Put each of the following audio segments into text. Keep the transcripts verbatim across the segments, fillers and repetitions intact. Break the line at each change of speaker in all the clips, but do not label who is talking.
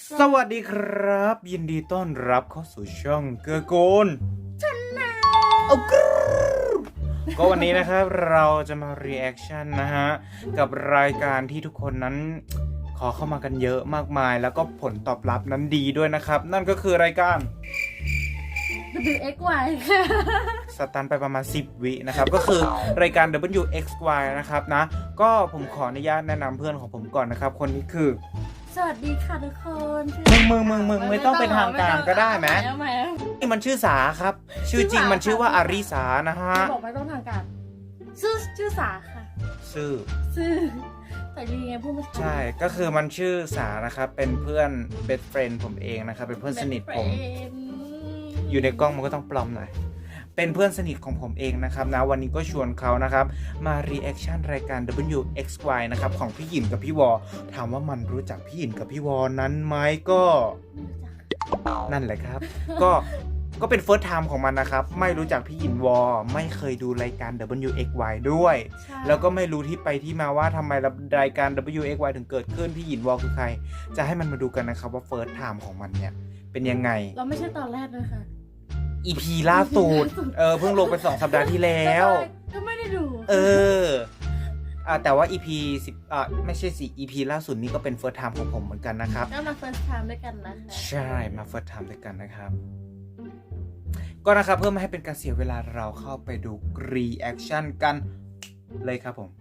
สวัสดีครับยินดีต้อนรับเข้าสู่ช่องเกื้อกูลชันนาเอากรูก็วันนี้นะครับเราจะมา reaction นะฮะกับรายการที่ทุกคนนั้นขอเข้ามากันเยอะมากมายแล้วก็ผลตอบรับนั้นดีด้วยนะครับนั่นก็คือรายการ
ดับเบิลยู เอ็กซ์ วาย ค่ะ
สตันไปประมาณสิบวินะครับก็คือรายการ ดับเบิลยู เอ็กซ์ วาย นะครับนะก็ผมขออนุญาตแนะนำเพื่อนของผมก่อนนะครับคนนี้คือ
สวัสดีค่ะทุกคน
มึงมึงมึงมึงไม่ต้องเป็นทางการก็ได้ไหม
ทำไม
นี่มันชื่อสาครับชื่อจริงมันชื่อว่าอาริสานะฮะ
บอกไม่ต้องทางการชื่อชื่อสาค่ะ
ชื่อ
ชื่อแต่ดีไงพูดไม่ถูก
ใช่ก็คือมันชื่อสานะครับเป็นเพื่อน best friend ผมเองนะครับเป็นเพื่อนสนิทผมอยู่ในกล้องมันก็ต้องปลอมหน่อยเป็นเพื่อนสนิทของผมเองนะครับนะวันนี้ก็ชวนเขานะครับมา reaction รายการ ดับเบิลยู เอ็กซ์ วาย นะครับของพี่หยินกับพี่วอถามว่ามันรู้จักพี่หยินกับพี่วอนั้นไหมก็นั่นแหละครับ ก็ก็เป็น first time ของมันนะครับไม่รู้จักพี่หยินวอไม่เคยดูรายการ ดับเบิลยู เอ็กซ์ วาย ด้วยแล้วก็ไม่รู้ที่ไปที่มาว่าทำไมรายการ ดับเบิลยู เอ็กซ์ วาย ถึงเกิดขึ้นพี่หยินวอคือใครจะให้มันมาดูกันนะครับว่า first time ของมันเนี่ยเป็นยังไง
เราไม่ใช่ตอนแรกเลยค่ะ
อี พี ล่าสุดเออเพิ่งลงไปสองสัปดาห์ที่แล้ว
ก็ไม่ได้ดู
เอออ่าแต่ว่า อี พี สิบอ่าไม่ใช่สิ อี พี ล่าสุดนี้ก็เป็น first time ของผมเหมือนกันนะครับ
ก็มา first time ด้วยกันนะคะ
ใช่มา first time ด้วยกันนะครับก็นะครับเพื่อไม่ให้เป็นการเสียเวลาเราเข้าไปดู reaction กันเลยครับผม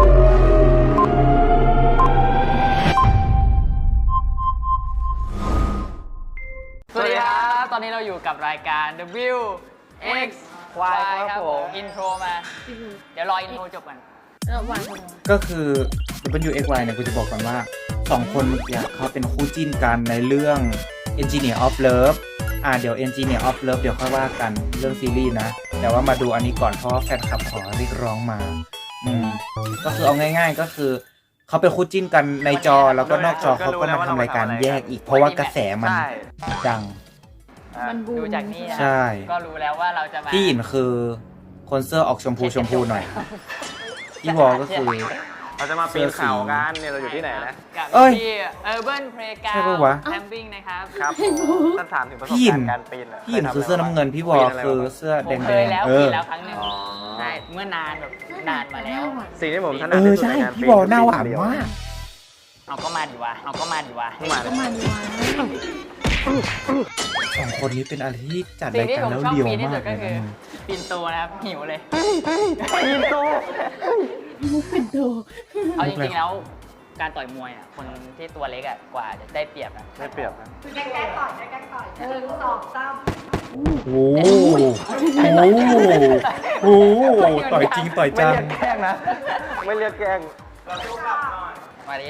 สวัสดีครับตอนนี้เราอยู่กับรายการ ดับเบิลยู เอ็กซ์ วาย ครับผมอินโทรมาเดี๋ยวรออินโทรจบก่อน
แล้ววางกัน
ก็คือ ดับเบิลยู เอ็กซ์ วาย เนี่ยกูจะบอกก่อนว่าสองคนเมื่อกี้เขาเป็นคู่จิ้นกันในเรื่อง Engineer of Love อ่าเดี๋ยว Engineer of Love เดี๋ยวค่อยว่ากันเรื่องซีรีส์นะแต่ว่ามาดูอันนี้ก่อนเพราะว่าแฟนคลับขอเรียกร้องมาอืมก็คือเอาง่ายๆก็คือเขาเป็นคู่จิ้นกันในจอแล้วก็นอกจอเขาก็มาทำรายการแยกอีกเพราะว่ากระแสมันดัง
มันบูม
ดูจากนี้นะ
ใช่
ก็รู้แล้วว่าเราจะมา
พี่หยินคือคนเสื้อออกชมพูชมพูหน่อยพี่วอก็คือ
เราจะมาปีนเขากันเนี่ยเราอยู่ที่ไหนนะ
กับ
เอ้ย
ที่ Urban Playground
ใช่ปะวะ
Camping นะครับ
ครับท่านถามถึงประสบ
พี่หยิ
กาน รณ์การปีนอะ
พี่หยินคือเสื้อน้ำเงินพี่วอคือเสื้อ
ผ
แด
ม
ง
เคยแล้ว
ๆเอ
ปี
อ
แล้วครั้งหนึ่งใช่เมื่อนานแบบนานมาแล้ว
สิ่งที่ผมถนั
เอ
ด
อ
ที่สุด
ใช่
ในการปี
พี่วอหน้าหวานมาก
เอาก็มาดีวะเอาก็มาดีวะ
ขึ้นมาเล
ก็
ย
มันวาง
สองคนนี้เป็นอะไรที่จัด
สิ่
ราง ย
ที่
การ
ผม
แล้ว
ชอบ
เดียว
ปีนที่
มา
สุ
ก
ด
เล
ก็
ย
คือ
นะ
ปีนโตนะครับหิวเลย
ปีนโต
มุกเป็นโด
เอาจริงๆแล้วการต่อยมวยอ่ะคนที่ตัวเล็กอ่ะกว่าจะได้เปรียบนะ
ไม่เปรียบนะ
โอ้โหโอ้โหโอ้โหต่อยจริงต่อย
ไม่
จัง
เรียกแกล้งนะ ไม่เรียกแกล้ง
มาดิ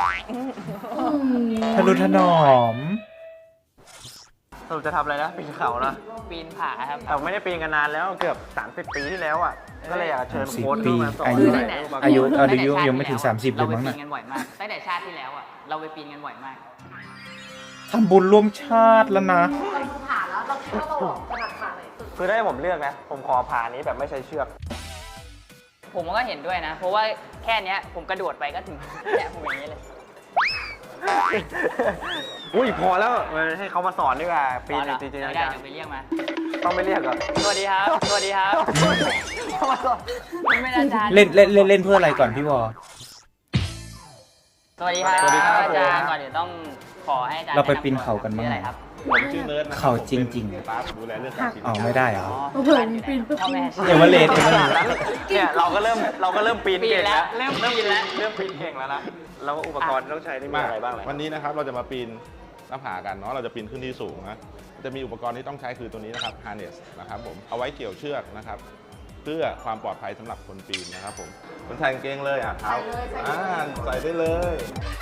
ทะนุถนอม
สรุปจะทำอะไรนะปีนเขานะ
ปีนผาครับ
แต่ไม่ได้ปีนกันนานแล้วเกือบสามสิบปีที่แล้วอ่ะก็เลยอยากเชิญ
สิบ
โค้ช
ปี
เข้ามาสอน
อายุ
หน่
อายุ
อุปกรณ์
เอาอายุยังไม่ถึงสามสิบเลยมั้ง
เราไป
น่ะ
ปีนกันบ่อยมากตั้งแต่ชาติที่แล้วอ่ะเราไปปีนกันบ่อยมาก
ทำบุญร่วมชาติแล้วนะ
คือได้ผมเลือกนะ ผมขอผ่านี้แบบไม่ใช้เชือก
ผมก็เห็นด้วยนะ เพราะว่าแค่เนี้ยผมกระโดดไปก็ถึงเนี่ยผมอย่างนี้เลย
อุ้ยพอแล้วให้เขามาสอนดีกว่าปีน
อ๋อเหรอ
จริงๆ
ไม่
นะ
ได้
จ๊ะ
เดี๋ยวไปเรียกมา
ต้องไม่เรียกเหรอ
สวัสดีครับ สวัสดีครับเข้ามาสอนไม่ได้อาจารย์
เล่นเล่นเล่นเล่นเพื่ออะไรก่อนพี่วอ
สวัสดีครับ
สวัสดีครับ
อาจารย์ก่อนเดี๋ยวต้องขอให้อาจารย์
เราไปปีนเขากันมั้ง
ชื่ออะไรครับ
ผมชื่อเนิร์ดนะ
เขาจริงๆ
ๆป้าผมดูแลเรื่องการปีน
อ๋อไม่ได้เหรอ
เผื่อปีนปุ๊บ
พ่อแม่
เอเวอเรสต์เอเวอเรสต์
เนี่ยเราก็เริ่มเราก็เริ่มปีน
ปีน
เก่ง
แล้
แล้ว ว
เริ่มปีนแล้ว
เริ่มปีนเก่งแล้วนะแล้วอุปกรณ์ที่ต้องใช้นี่มีอะไรบ้างเลย
วันนี้นะครับเราจะมาปีนหน้าผากันเนาะเราจะปีนขึ้นที่สูงนะจะมีอุปกรณ์ที่ต้องใช้คือตัวนี้นะครับ harness นะครับผมเอาไว้เกี่ยวเชือกนะครับเพื่อความปลอดภัยสำหรับคนปีนนะครับผมคนใส่กางเกงเลยอ่ะเท้าอ่าใส่ได้เลย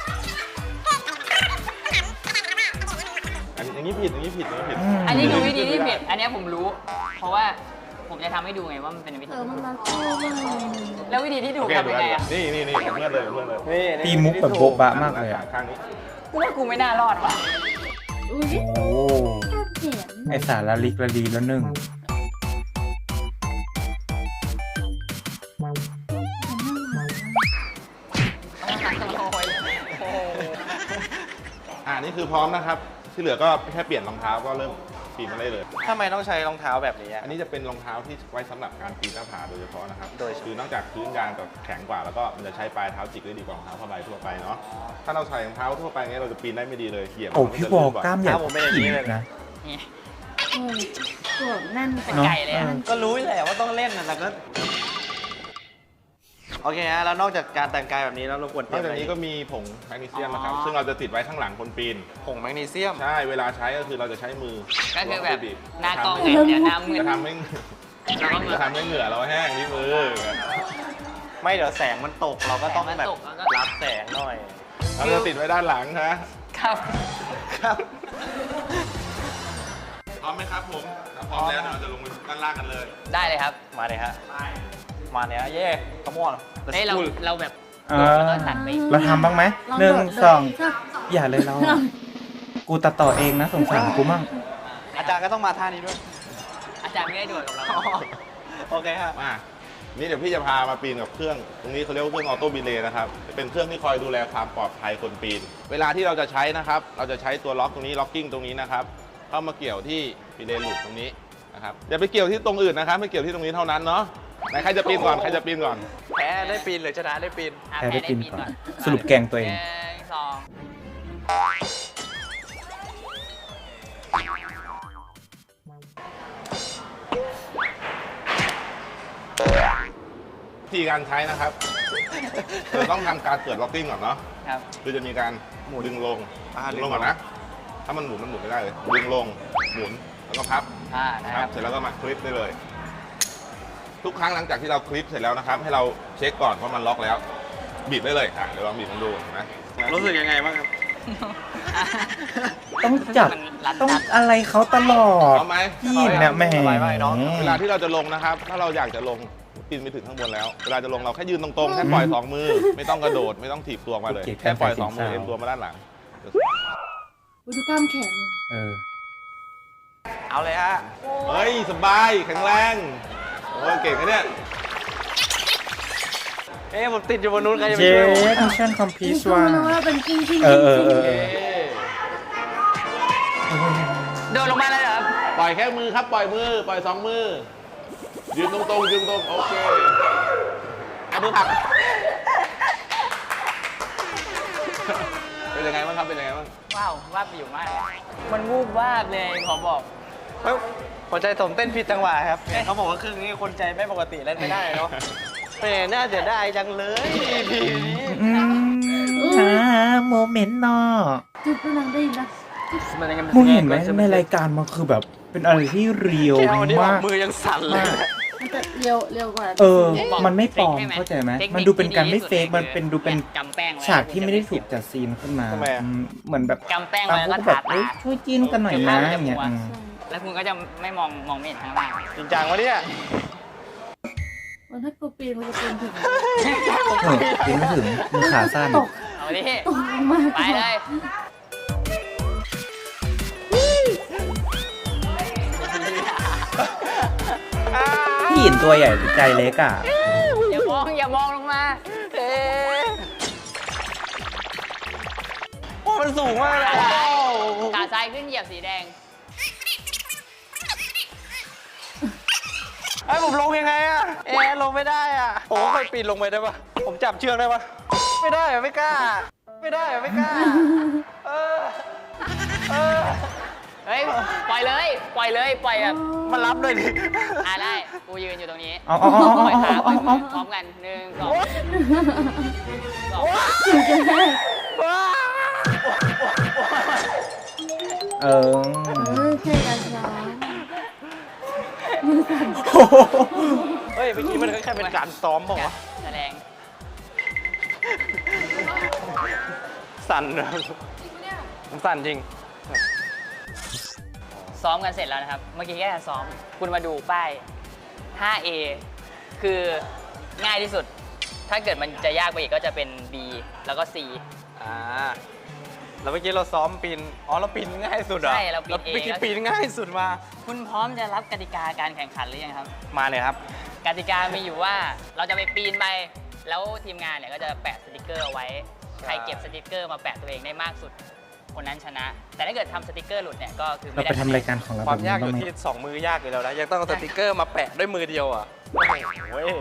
อันนี้อย่างนี้ผิดอย่างนี้ผิดอย่างนี้ผิด
อันนี้คือวิธีที่ผิด อันเนี้ยผมรู้ เพราะว่าผมจะทำให้ดูไงว่ามันเป็นวิธี
เออมันมาโค้งเลย
แล้ววิธีที่ถู
โอก เค
ทำ
ดู
ยัง
แล
ไงอ่ะ
นี่นี่นี่เพื่อนเลยเพื่อนเลย
นี่
ตีมุกแบบโบ๊ะบะมากเลยอะ
ข้างนี้
กูว่ากูไม่น่ารอดว่ะ
อุ้ย
โอ้
แค่เขียน
ไอสารละลิกละลีแล้วหนึ่ง
โอ้ย
ออ่านี่คือพร้อมนะครับ ที่เหลือก็แค่เปลี่ยนรองเท้าก็เริ่มปีนมาได้เลย
ทำไมต้องใช้รองเท้าแบบนี้
อันนี้จะเป็นรองเท้าที่ไว้สำหรับการปีนหน้าผาโดยเฉพาะนะครับ โดยคือนอกจากพื้นยางกับแข็งกว่าแล้วก็มันจะใช้ปลายเท้าจิกได้ดีกว่ารองเท้าผ้าใบทั่วไปเนาะ ถ้าเราใส่รองเท้าทั่วไปเงี้ยเราจะปีนได้ไม่ดีเลยเหยียบ
โอ้
มัน
พี่
จะ
บอ
ลื่
ก
นบ่อย
กล้ามใหญ่
ผมเป็นอย่างนี้เลยนะ
นี่
เออตัวแน่น
เป็นไก่เลยอะ
ก็รู้แหละว่าต้องเล่นนะแต่ก็โอเคฮะแล้วนอกจากการแต่งกายแบบนี้แล้วเราควร
น
เตรี
อย ก
มอะ
จาก
ไร
นี้ก็มีผงแมกนีเซียมนะครับ
อ๋อ
ซึ่งเราจะติดไว้ข้างหลังคนปีน
ผงแมกนีเซียม
ใช่ เวลาใช้ก็คือเราจะใช้มือ
ก็คือแบบ
บีบ
หน้ากล้องเนี่ยเดี๋ยวหน้ามืด
จะทำให้
แล้วก็มือ
จะทำให้เหงื่อเราแห้งที่มือ
ไม่เดี๋ยวแสงมันตกเราก็ต้อง
แสงมัน
แบบ
ตกแล้วก็
รับแสงหน่อย
เราจะติดไว้ด้านหลังนะครับ
ครับ
พร้อมไหมครับผมถ้าพร้อมแล้วเดี๋ยวเราจะลงไปด้านล่างกันเลย
ได้เลยครับ
มาเลยฮะมาเนี่ยเย่ขมอน
เฮ้ยเราเราแบบ
เอ
โดด
อ
แล้วก็ตัดไป
เราทำบ้างไหม
ล
หนึ่ง
โดด
สอง
เลย
อย่าเลยเรา กูตัดต่อเองนะสงสารกูมั่ง
อาจารย์ก็ต้องมาท่านี้ด้วย
อาจารย์ไม่ได้โดดกับเรา
โอเคฮะ
มา นี่เดี๋ยวพี่จะพามาปีนกับเครื่อง ตรงนี้เขาเรียกว่าเครื่องออโต้บีเลย์นะครับ เป็นเครื่องที่คอยดูแลความปลอดภัยคนปีน เวลาที่เราจะใช้นะครับ เราจะใช้ตัวล็อกตรงนี้ ล็อกกิ้งตรงนี้นะครับ เข้ามาเกี่ยวที่บีเลย์หลุดตรงนี้นะครับ อย่าไปเกี่ยวที่ตรงอื่นนะครับ ไม่เกี่ยวที่ตรงนี้เท่านั้นเนาะ ไหนใครจะปีนก่อน ใครจะปีนก่อน
แพ้ได้ปีนหรือชนะได้ปีน
อ่ะ
แพ้ได้ปีนก่อน สรุปแกงตัวเอง
หนึ่งสอง
วิธีการใช้นะครับเราต้องทำการเกิดล็อกกิ้งก่อนเนาะ
ครับ
คือจะมีการหมุนดึงลง
อ่า
ดึงลงก่อนนะ ถ้ามันหมุนมันหมุนไม่ได้เลย ดึงลง หมุน แล้วก็พับ
อ่านะ
นะ
ค
ค
รั
รับ บเสร็จแล้วก็มาคลิปได้เลย ทุกครั้งหลังจากที่เราคลิปเสร็จแล้วนะครับ ให้เราเช็คก่อนว่ามันล็อกแล้ว บีบได้เลยอ่ะเดี๋ยวลองบีบมันดูนะ
รู้สึกยังไงบ้างครับ
ต้องจับ
มันรัด
ต้อง
รัด
อะไรเขาตลอด
เอาไหม
พี่เนี่ยแหม
สบายมากน้อง
เวลาที่เราจะลงนะครับ ถ้าเราอยากจะลงปีนไปถึงข้างบนแล้ว เวลาจะลงเราแค่ยืนตรงๆ แค่ปล่อยสองมือ ไม่ต้องกระโดด ไม่ต้องถีบตัวมาเลย แค่ปล่อยสองมือเอ็นตัวมาด้านหลัง
อุ๊ยดูกล้ามแขน
เออ
เอาเลยฮะ
เฮ้ย สบาย แข็งแรง โอ้ยเก่งนะเนี่ย
เอ๊ะผมติดอยู่บนนู้นใครจะไป
เจ
ช่วยผม
มิชชั่นคอมพลี
นี่
ท
คือ
ว่ะ
มันว่าเป็นกิ้งกิ้ง
เออเออเออ
เอ๊ะ
โดดลงมาเลยเหรอครับ
ปล่อยแค่มือครับ ปล่อยมือ ปล่อยสองมือ ยืนตรงๆ ยืนตรง โอเคเอามือผลัก เป็นยังไงบ้างครับ เป็นยังไงบ้าง
ว้าววาบอยู่มาก มันวูบวาบเลยขอบอก
เฮ้ยหัวใจผมเต้นผิดจังหวะครับเขาบอกว่าเครื่องนี้คนใจไม่ปกติเล่นไม่ได้เนาะแหมน่าเสียดายจังเลย อี พี นี้
อืมหาโมเมนต์เนาะ
จุดดูนังได้ยินปะ
มึงเห็นไหมในรายการมันคือแบบเป็นอะไรที่เรียว
แค่วันนี้ออ
มาก ก
มือยังสั่นเลย
มาก
มันจะเร็วเร็วกว่า
เออ
จริง
มันไม่ปลอม
ฟกใช่ห
เข้าใจไหม
ทคค
มันดูเป็นการไม่เฟก
ที่
มันเป็นดูเป็น
กำแป้งไว้
ฉากที่ไม่ได้ถูกจัดซีนขึ้นมา
ทำไมอะ
อืมเหมือนแบบ
กำแป้ง
บา
ไว้
ง
แล้ว
คน
ก็
ก็แบ
ทา
บ
ตา
เอ้ยช่วยจิ้นกันหน่อยนะอย่างเงี้ยอืม
แล้วคุณก็จะไม่มองมองไม่เห็นข้างล่าง
จริงจังวะเนี่ย
มันถ้ากูปีนมันจะปีนถึง
เออกินไม่ถึงมือขาสั้น
ตก
เอาดิ
ตกลงมา
ไปเลย
พี่หยินตัวใหญ่ใจเล็กอ่ะ
อย่ามองอย่ามองลงมาเอ๊ะ
โอ้มันสูงมากเลย
ขาซ้ายขึ้นเหยียบสีแดง
ไอ้ยผมลงยังไงอะเอ๊ะลงไม่ได้อะผมเคยปีนลงไปได้ปะผมจับเชือกได้ปะไม่ได้อะไม่กล้า ไม่ได้อะไม่กล้า เออ เออ
เฮ้ย ปล่อยเลย ปล่อยเลย ปล่อยแบบ
มารับเลยดิ
อ่าได้ กูยืนอยู่ตรงนี้
เอาเอาเอา
ปล่อย
เอา
ขาปล่
เอา
อยมื
เอา
อพร้อมกันหนึ่งสองสอง
เออ
เออแค่การช้า
เฮ้ยเมื่อกี้มันแค่เป็นการซ้อมบอกว่าวะ
แสดง
สั่นนะผมสั่นจริง
ซ้อมกันเสร็จแล้วนะครับ เมื่อกี้แค่ซ้อม คุณมาดูป้าย ห้าเอ คือง่ายที่สุด ถ้าเกิดมันจะยากไปอีกก็จะเป็น B แล้วก็ C
อ่า แล้วเมื่อกี้เราซ้อมปีน อ๋อเราปีนง่ายสุดเหรอ
ใช่เราปีนเอง
เมื่อกี้ปีนง่ายสุดมา
คุณพร้อมจะรับกติกาการแข่งขันหรือยังครับ
มาเลยครับ
กติกามีอยู่ว่าเราจะไปปีนไป แล้วทีมงานเนี่ยก็จะแปะสติกเกอร์เอาไว้ ใครเก็บสติกเกอร์มาแปะตัวเองได้มากสุดคนนั้นชนะ แต่ถ้าเกิดทำสติกเกอร์หลุดเนี่ยก็คือ
เรา
ไม่ได้
ไปทำรายการของเรา
ค
แบ
วา
บ
ม
นี้
ยากอ
บ้าง
ยู่
ไหม
ที่สองมือยากอยู่แล้วนะยังต้องเอาสติกเกอร์มาแปะด้วยมือเดียวอ่ะโอ้โหเว้ย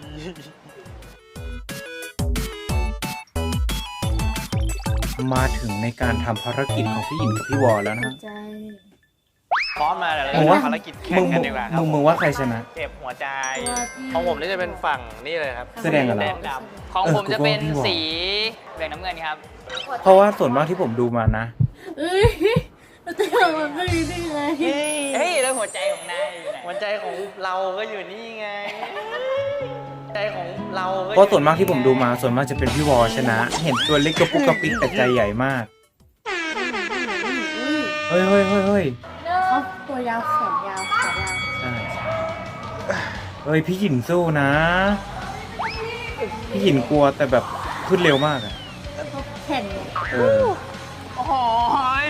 มาถึงในการทำภารกิจของพี่หยินกับพี่วอแล้วนะ
ใจ
พร้อมมาแล้ว
มึงว่า
ภารกิจแข่
มึ
ง
ง
กันดีกว่าครับ
มึงมึงว่าใครชนะ
เก็บหัวใจ
ตัวพี่
ของผมนี่จะเป็นฝั่งนี่เลยครับ
แสดงกับเรา
แดงด
ของผมจะเป็น
เออกูว่าพี่วอ
สีเหลืองน้ำเงินครับ
เพราะว่าส่วนมากที่ผมดูมานะ
เอ้ยเราจะทำมันไม่ได้ไง
ำเฮ้ย
เฮ้ยแล้วหัวใจของนายอยู่ไหน
หัวใจของเราก็อยู่นี่ไงใจของเราก็อยู่
เพราะส่วนมากที่ผมดูมาส่วนมากจะเป็นพี่วอชนะ เห็นตัวเล็กกระปุกกระปิกแต่ใจใหญ่มาก เฮ้ยเฮ้ยเฮ้ยเฮ้ย
เขาตัวยาวแขนยาวขายาว
ใช่เฮ้ยพี่หยินสู้นะ พี่หยินกลัวแต่แบบขึ้นเร็วมากอะ
เขาแข่ง
เออ
โอ้โหย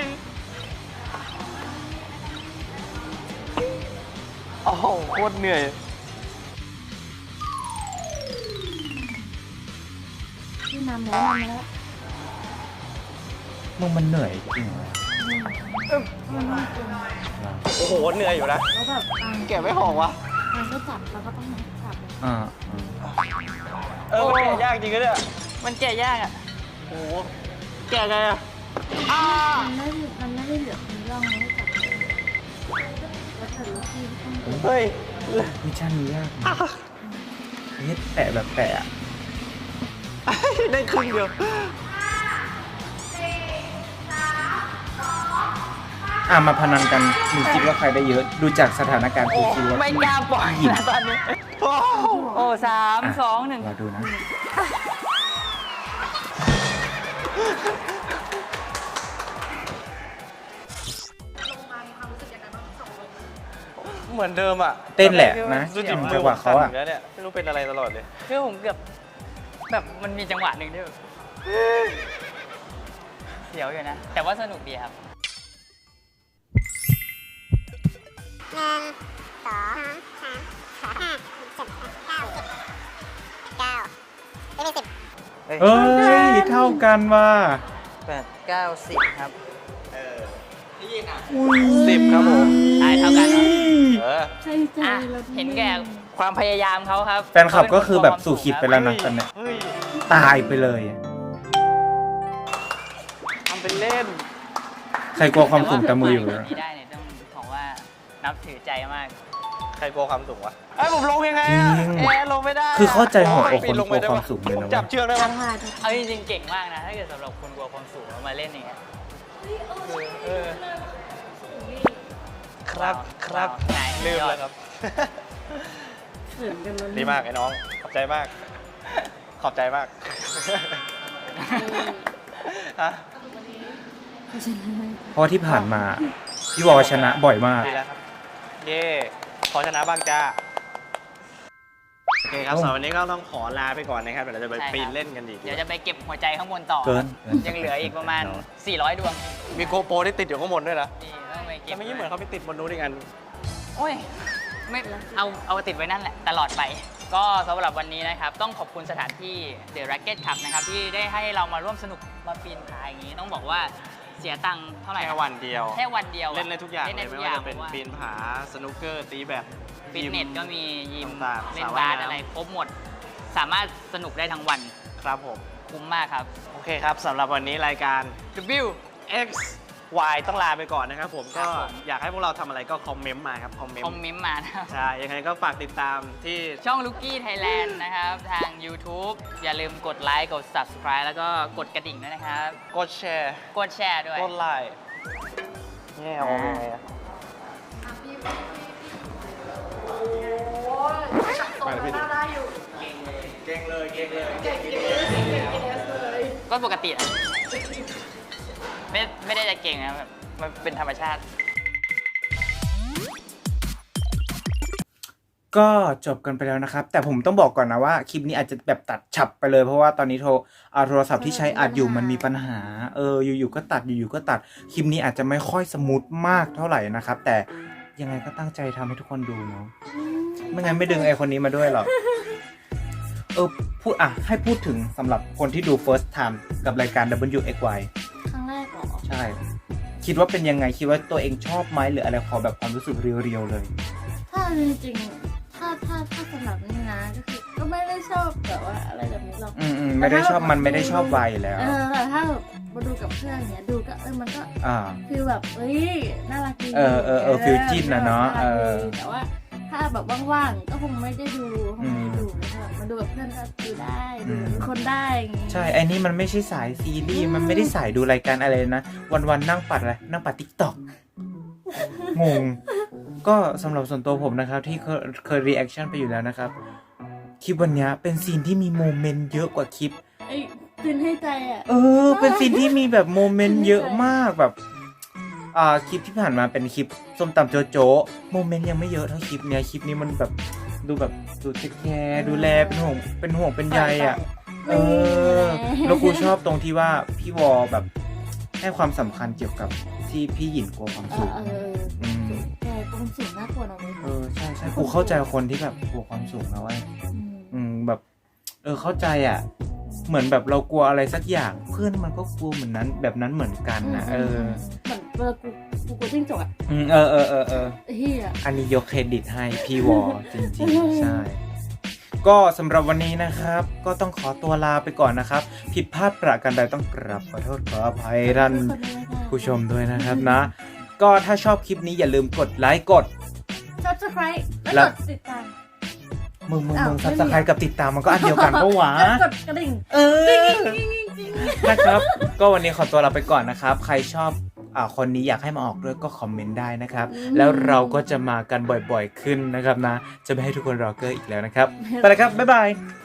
โอ้โหโคตรเหนื่อย
ที่นำแล้วนำแล้ว
มึงมันเหนื่อยจริงเหรอ
มันมากเกิน
โอ้โหเหนื่อยอยู่นะ
แล้วแบบอ่ะ
แกะไม่หอกวะ
มันก็จับแล้วก็ต้องจับ
อ่าอ่า
เออมันแกะยากจริงก็เนี่ย
มันแก่ยากอ่ะ
โอ้โหแกะไงอะอ้า
มันไม่มันไม่ได้เหลือมีร่องให้จับแล้วแต่ลูกพี่ก็ต้อง
เฮ้ย
วิชานี้ยากนะนี่แตะแบบแตะอะ
ได้ครึ่งเดียว
อ่ะมาพนันกันหนูคิดว่าใครได้เยอะ ดูจากสถานการณ์คือคิดว่า
ไม่กล้าปล่อยนะตอนนี้
โอ้โห
โอ้สาม
อ่ะ
สองหนึ่ง
เราดูนะ
เหมือนเดิมอ่ะ
เต้นแหละนะ
ดูจิ
จังหวะเขาอะ
แล้วเนี่ยไม่รู้เป็นอะไรตลอดเลย
คือผมเกือบแบบมันมีจังหวะหนึ่งที่แบบเสียวอยู่นะ แต่ว่าสนุกดีครับ
หนึ่งสองสามสี่ห้าหกเจ็ดแปดเก้าสิบเก้าไม่มีสิบ
เอ้ย เท่ากันว่ะ
แปดเก้าสิบครับ
สิบครับผม
ได้เท่ากันเหรอ
เออ
ใช่ใจ
อ่ะ
เรา
เห็นแก่ความพยายามเขาครับ
แฟนคลับก็คือแบบสู่ขีดไปแล้วนะตอนเนี้ย
เฮ้ย
ตายไปเลย
ทำเป็นเล่น
ใครกลัวความสูงแต่มืออยู่
แต่
นะ
ว่านี้ได้เนี่ยต้องบอกว่านับถือใจมาก
ใครกลัวความสูงวะไอ้ยผมลงยังไงอะแอร์ลงไม่ได้ะ
คือเข้าใจหัวอก
ปี
คน
ลง
ก
ไป
ลัว
ได้
ควา
ปะ
มสูงเลย
ผม
นะ
จับ
เว้ย
เชือกได้ปะ
ทำผ่าน
ๆ เอาจริงๆเก่งมากนะ ถ้าเกิดสำหรับคนกลัวความสูงแล้วมาเล่นอย่างเงี้ย
เออครับครับ
ไหน
ลืม
ยอด
แล้วครับ
เขินกันแล้ว
ดีมากไอ้น้อง ขอบใจมาก ขอบใจมากฮะ
เพราะที่ผ่านมา พี่วอชนะบ่อยมาก
ดีแล้วครับ เย่ขอชนะบ้างจ้า โอเคครับสำหรับวันนี้ก็ต้องขอลาไปก่อนนะครับเดี๋ยวเราจะไป
ใช่ครับ
ปีนเล่นกันดีก
เดี๋ยว
ว่า
จะไปเก็บหัวใจข้างบนต่อ
เกิน
ยังเหลืออีกประมาณ สี่ร้อย ดวง
มีโกโปรที่ติดอยู่ข้างบนด้วยนะ
นี่ต้องไปเก็
แต่
บ
ไม่ยิ่งเหมือนเขาไปติดบนนู้นอีกอัน
โอ้ย ไม่ เอา เอาติดไว้นั่นแหละ ตลอดไป ก็สำหรับวันนี้นะครับ ต้องขอบคุณสถานที่ The Racket Club นะครับ ที่ได้ให้เรามาร่วมสนุกมาปีนผาอย่างนี้ ต้องบอกว่าเสียตังค์เท่าไหร่
แค่วันเดียว
แค่วันเดียวอะ
เล่นได้ทุกอย่าง
เล่น
เล
ได้
ย
ทุ
ไม่
กอย่า
ว่าง จะเป็น
พราะว่า
ปีนผา สนุกเกอร์ ตีแบด
ฟิตเนส
ยิม
ก็มียิม
ต่างๆ
เล่น
สระว่าย
บาส
น้ำ
อะไรครบหมด สามารถสนุกได้ทั้งวัน
ครับผม
คุ้มมากครับ
โอเคครับสำหรับวันนี้รายการ
W
X Y ต้องลาไปก่อนนะครับผม
ครั
ก็
บผม
อยากให้พวกเราทำอะไรก็คอมเมนต์มาครับ คอมเมน
คอม
ต์
เมนต์มานะครับ
ใช่ ยังไงก็ฝากติดตามที่
ช่อง Lucky Thailand นะครับ ทาง YouTube อย่าลืมกดไลค์ กด Subscribe แล้วก็กดกระดิ่งด้วยนะครับ
กดแชร์
กดแชร์ด้วย
กดไลค์เนี่ยเอายังไงอะ
ไปเลยพี่ดิ
เก่งเลยเก่งเลย
ก็ปกติอะไม่ไม่ได้จะเก่งนะแบบมันเป็นธรรมชาติ
ก็จบกันไปแล้วนะครับ แต่ผมต้องบอกก่อนนะว่าคลิปนี้อาจจะแบบตัดฉับไปเลยเพราะว่าตอนนี้โทรเอาโทรศัพท์ที่ใช้อัดอยู่มันมีปัญหา เอออยู่ๆก็ตัดอยู่ๆก็ตัดคลิปนี้อาจจะไม่ค่อยสมูทมากเท่าไหร่นะครับ แต่ยังไงก็ตั้งใจทำให้ทุกคนดูเนาะไม่งั้นไม่ดึงไอคนนี้มาด้วยหรอกเออพูดอ่ะให้พูดถึงสำหรับคนที่ดู first time กับรายการ ดับเบิลยู เอ็กซ์ วาย
ครั้งแรกเหรอ
ใช่คิดว่าเป็นยังไงคิดว่าตัวเองชอบไหมหรืออะไรขอแบบความรู้สึกเรียวๆเลย
ถ้าจริงๆถ้าถ้าถ้าสำหรับนี่นะก็คือก็ไม่ได้ชอบแบบว่าอะไรแบบนี้หรอก
อืมอืมไม่ได้ชอบมันไม่ได้ชอบวัยแล้ว
เออแต่ถ้าแบบมาดูกับเพื่อนเนี้ยดูก็เออมันก็
อ่า
ฟีลแบบเอ้ยน่ารักดี
เออเออเออฟีลจิ้นน่ะเนอะ
รักดี
เออ
แต่ว่าถ้าแบบว่างๆก็คงไม่ได้ดูคงไม่ได้ดู
อืม
แบบมาดูกับเพื่อนก็ดูได้
อื
ดู
ม
เป็นคนได้อย่างงี้
ใช่ไอ้นี่มันไม่ใช่สายซีรีส์มันไม่ได้สายดูรายการอะไรนะวันๆนั่งปัดอะไรนั่งปัดติ๊กต็อกงงก็สำหรับส่วนตัวผมนะครับที่เคยเคยรีแอคชั่นไปอยู่แล้วนะครับคลิปวันเนี้ยเป็นซีนที่มีโมเมนต์เยอะกว่าคลิป
ไอ้ตื่นให้ใจอ่ะ
เออ เป็นซีนที่มีแบบโมเมนต์เยอะมากแบบ อ่า คลิปที่ผ่านมาเป็นคลิปส้มตำโจโจโมเมนต์ยังไม่เยอะเท่าคลิปเนี้ย คลิปนี้มันแบบดูแบบดูเทคแคร์ดูแลเป็นห่วงเป็นห่วงเป็นใยอ่ะ เออ แล้วกูชอบตรงที่ว่าพี่วอแบบให้ความสำคัญเกี่ยวกับที่พี่หยินกลัวความ
เอ
สู
อง เออ
อืม
แต่ความสูงน่ากลัวนะเว้ย
เออ ใช่ใช่กูเข้าใจคนที่แบบกลัวความสูงนะเว้ย
อืม
อืมแบบ เออเข้าใจอ่ะ เหมือนแบบเรากลัวอะไรสักอย่างเพื่อนมันก็กลัวเหมือนนั้นแบบนั้นเหมือนกันนะเออ
เหมือนเวลากูกูกลัวจิ้งจกอ่ะ
อืมเออเออเออเออ
เฮีย
อันนี้ยกเครดิตให้พี่วอจริงๆ ใช่ ก็สำหรับวันนี้นะครับ ก็ต้องขอตัวลาไปก่อนนะครับ ผิดพลาดประการใดต้องกราบขอโทษขออภัยท่านผู้ชมด้วยนะครับนะ ก็ถ้าชอบคลิปนี้อย่าลืมกดไลค์กด
Subscribe
แล้
แล้ว
ว
กดติดตาม
มึงมึง
อ้าว
มึง
ไม่
ซับ
มี
สไครต์กับติดตามมันก็อันเดียวกันปะวะ
แล้วกดกระดิ่ง
เออ นะครับ ก็วันนี้ขอตัวลาไปก่อนนะครับ ใครชอบอ่าคนนี้อยากให้มาออกด้วยก็คอมเมนต์ได้นะครับ แล้วเราก็จะมากันบ่อยๆขึ้นนะครับนะ จะไม่ให้ทุกคนรอเกอร์อีกแล้วนะครับ ไปแล้วครับ บ๊ายบาย